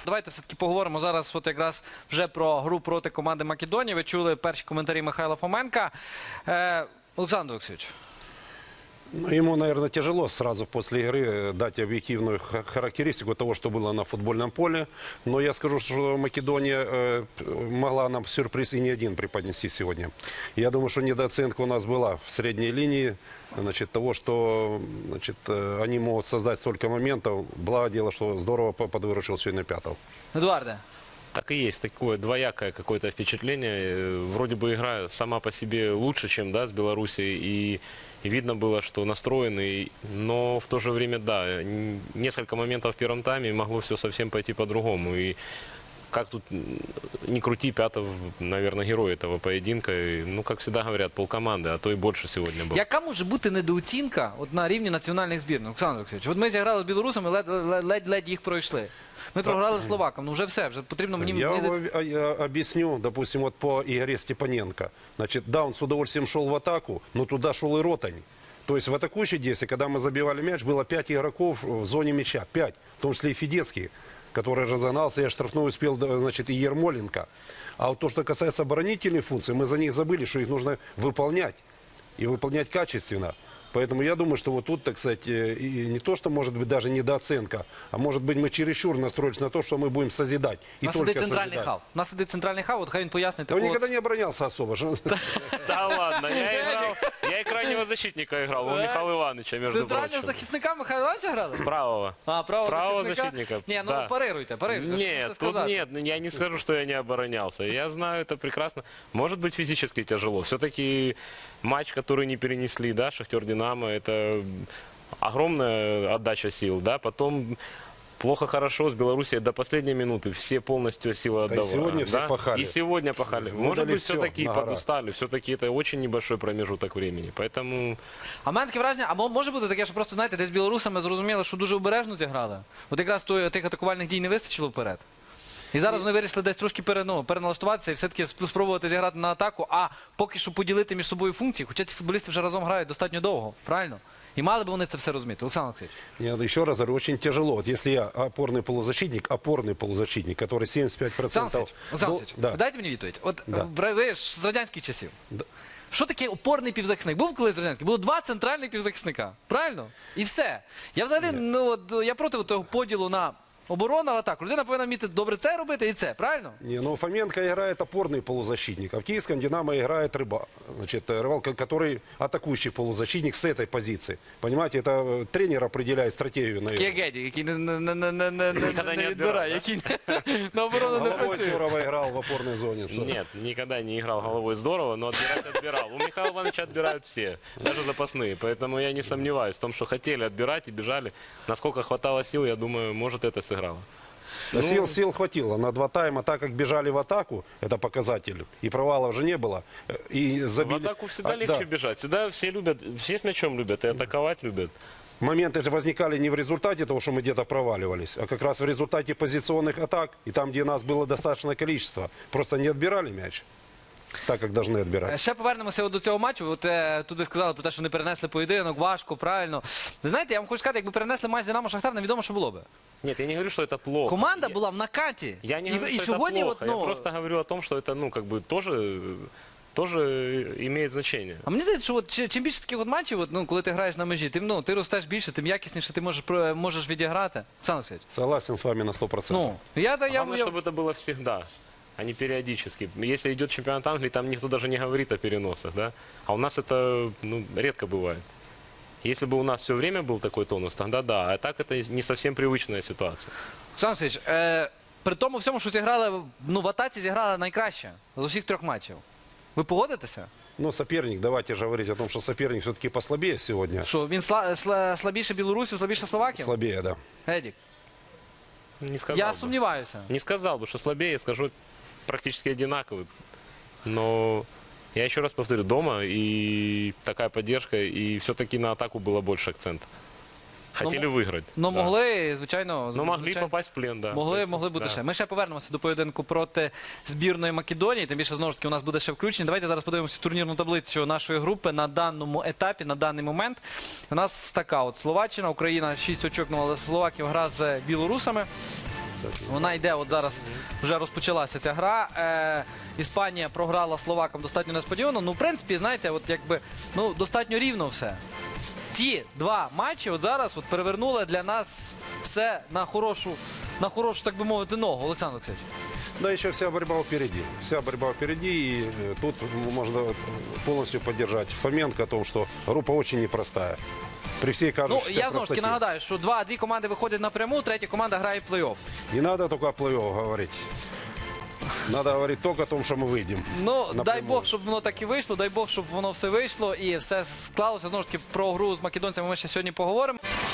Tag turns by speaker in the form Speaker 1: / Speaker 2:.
Speaker 1: Давайте все-таки поговоримо зараз от якраз вже про гру проти команди Македонії. Ви чули перші коментарі Михайла Фоменка. Олександр Олексійович.
Speaker 2: Ну, ему, наверное, тяжело сразу после игры дать объективную характеристику того, что было на футбольном поле. Но я скажу, что Македония могла нам сюрприз и не один преподнести сегодня. Я думаю, что недооценка у нас была в средней линии. Значит, того, что они могут создать столько моментов. Благо дело, что здорово подвыручил сегодня Пятов.
Speaker 1: Едуарде.
Speaker 3: Так и есть, такое двоякое какое-то впечатление. Вроде бы игра сама по себе лучше, чем с Белоруссией. И видно было, что настроенный, но в то же время, да, несколько моментов в первом тайме могло все совсем пойти по-другому. И как тут не крути, Пятов, наверное, герой этого поединка. Ну, как всегда говорят, полкоманди, а то і більше сьогодні було.
Speaker 1: Яка може бути недооцінка от на рівні національних збірних? Олександр Олексійович, от ми зіграли з білорусами, ледь їх пройшли. Ми програли словакам, ну вже все, вже потрібно мені...
Speaker 2: Я вам объясню, допустим, вот по игре Степаненко. Значит, да, он с удовольствием шел в атаку, но туда шел и Ротань. То есть в атакующей действии, когда мы забивали мяч, было 5 игроков в зоне мяча, 5, в том числе и Федецкий, который разогнался, я штрафной успел, значит, и Ермоленко. А вот то, что касается оборонительной функции, мы за них забыли, что их нужно выполнять. И выполнять качественно. Поэтому я думаю, что вот тут, так сказать, и не то, что может быть даже недооценка, а может быть мы чересчур настроились на то, что мы будем созидать.
Speaker 1: У нас сидить центральний хав. У нас сидить центральний хав, от хай він пояснить.
Speaker 2: Он никогда не оборонялся особо.
Speaker 3: Да ладно, я и крайнего защитника играл, у Михаила Ивановича, между прочим.
Speaker 1: Центрального захисника Михайла Івановича грали?
Speaker 3: Правого.
Speaker 1: А, правого
Speaker 3: защитника.
Speaker 1: Не, ну парируйте.
Speaker 3: Нет, тут нет, я не скажу, что я не оборонялся. Я знаю это прекрасно. Может быть, физически тяжело. Все-таки матч, который не перенесли, да, Шахтер-Динамо, это огромная отдача сил, да, потом плохо-хорошо с Белоруссией до последней минуты, все полностью силы отдавали.
Speaker 2: И сегодня все пахали.
Speaker 3: И сегодня пахали. Может быть, все-таки подустали, все-таки это очень небольшой промежуток времени, поэтому...
Speaker 1: А в мене таке враження, а може бути таке, що просто, знаєте, десь білорусами зрозуміли, що дуже обережно зіграли? От якраз тих атакувальних дій не вистачило вперед. І зараз вони вирішили десь трошки переналаштуватися і все-таки спробувати зіграти на атаку, а поки що поділити між собою функції, хоча ці футболісти вже разом грають достатньо довго, правильно? І мали б вони це все розуміти. Олександр Олексійович.
Speaker 2: Нет, еще раз говорю, очень тяжело. Вот если я опорный полузащитник, который 75%...
Speaker 1: Олександр Олексійович,
Speaker 2: да.
Speaker 1: дайте мені відповідь. От
Speaker 2: Да.
Speaker 1: ви ж з радянських часів.
Speaker 2: Да.
Speaker 1: Що таке опорний півзахисник? Був колись радянський? Було 2 центральних півзахисника. Правильно? І все. Я взагалі, я проти того поділу на оборону, атаку. Людина повинна вміти добре це робити і це, правильно?
Speaker 2: Не, ну Фоменко играет опорный полузащитник, а в Киевском Динамо играет Рыбак, который атакующий полузащитник с этой позиции. Понимаете, это тренер определяет стратегию.
Speaker 1: Кегеді, який не відбирає, який на оборону не
Speaker 2: Головой
Speaker 1: працює.
Speaker 2: здорово играл в опорной зоне.
Speaker 3: Нет, никогда не играл головой здорово, но отбирать отбирал. У Михаила Ивановича отбирают все, даже запасные. Поэтому я не сомневаюсь в том, что хотели отбирать и бежали. Насколько хватало сил, я думаю, может, это сыграло.
Speaker 2: Да, сил хватило на 2 тайма, так как бежали в атаку, это показатель, и провалов же не было. И забили...
Speaker 3: В атаку всегда легче бежать, всегда все любят, все с мячом любят и атаковать любят.
Speaker 2: Моменты же возникали не в результате того, что мы где-то проваливались, а как раз в результате позиционных атак, и там, где нас было достаточное количество, просто не отбирали мяч. Так, як повинні відбирати.
Speaker 1: Ще повернемося до цього матчу. От тут ви сказали про те, що не перенесли поєдинок, важко, правильно. Ви знаєте, я вам хочу сказати, якби перенесли матч Динамо-Шахтар, невідомо, що було би.
Speaker 3: Нет, я не говорю, что это плохо.
Speaker 1: Команда була в накаті.
Speaker 3: Я не говорю, что это плохо. Я просто говорю о том, что это, тоже имеет значение.
Speaker 1: А мені здається, що от, чим більше таких от матчів, коли ти граєш на межі, ти ростеш більше, тим якісніше ти можеш відіграти. Олександр Олексійович.
Speaker 2: Согласен с вами на 100%.
Speaker 3: Главное, чтобы это было всегда, а не периодически. Если идет чемпионат Англии, там никто даже не говорит о переносах, да? А у нас это редко бывает. Если бы у нас все время был такой тонус, тогда да. А так это не совсем привычная ситуация.
Speaker 1: Олександр Олексійович, при тому всьому, що зіграли, в атаці зіграли найкраще з усіх 3 матчів. Ви погодитеся?
Speaker 2: Ну, соперник, давайте же говорить о том, что соперник все-таки послабее сегодня.
Speaker 1: Що, він слабіше Білорусі, слабіше Словакії?
Speaker 2: Слабее, да.
Speaker 1: Едік?
Speaker 3: Не сказал
Speaker 1: Я
Speaker 3: бы.
Speaker 1: сумніваюся.
Speaker 3: Не сказал бы, что слабее, я скажу практически одинаковый. Но я еще раз повторю, дома и такая поддержка, и все-таки на атаку было больше акцента. Хотели виграти.
Speaker 1: Ну, могли, звичайно.
Speaker 3: Ну, могли попасть в плен, да.
Speaker 1: Могли бути ще. Ми ще повернемося до поєдинку проти збірної Македонії. Тим більше, знову ж таки, у нас буде ще включення. Давайте зараз подивимося турнірну таблицю нашої групи на даному етапі, на даний момент. У нас така от Словаччина, Україна 6 очок, але Словаків гра з білорусами. Вона йде, от зараз вже розпочалася ця гра. Іспанія програла словакам достатньо несподівано. Ну, в принципі, знаєте, от якби, ну, достатньо рівно все. Ці два матчі от зараз от перевернули для нас все на хорошу, так би мовити, ногу. Олександр Олексійович.
Speaker 2: Да, еще вся борьба впереди. Вся борьба впереди. И тут можно полностью поддержать Фоменко о том, что группа очень непростая. При всей
Speaker 1: Ну,
Speaker 2: кажущейся
Speaker 1: я знову ж таки
Speaker 2: простоте.
Speaker 1: нагадаю, що дві команди виходять напряму, третя команда грає в плей-офф.
Speaker 2: Не надо только о плей-офф говорить. Надо говорить только о том, что мы выйдем.
Speaker 1: Ну, дай
Speaker 2: напрямую.
Speaker 1: Бог, щоб воно так і вийшло, дай Бог, щоб воно все вийшло і все склалося. Знову ж таки, про гру з македонцями ми ще сьогодні поговоримо.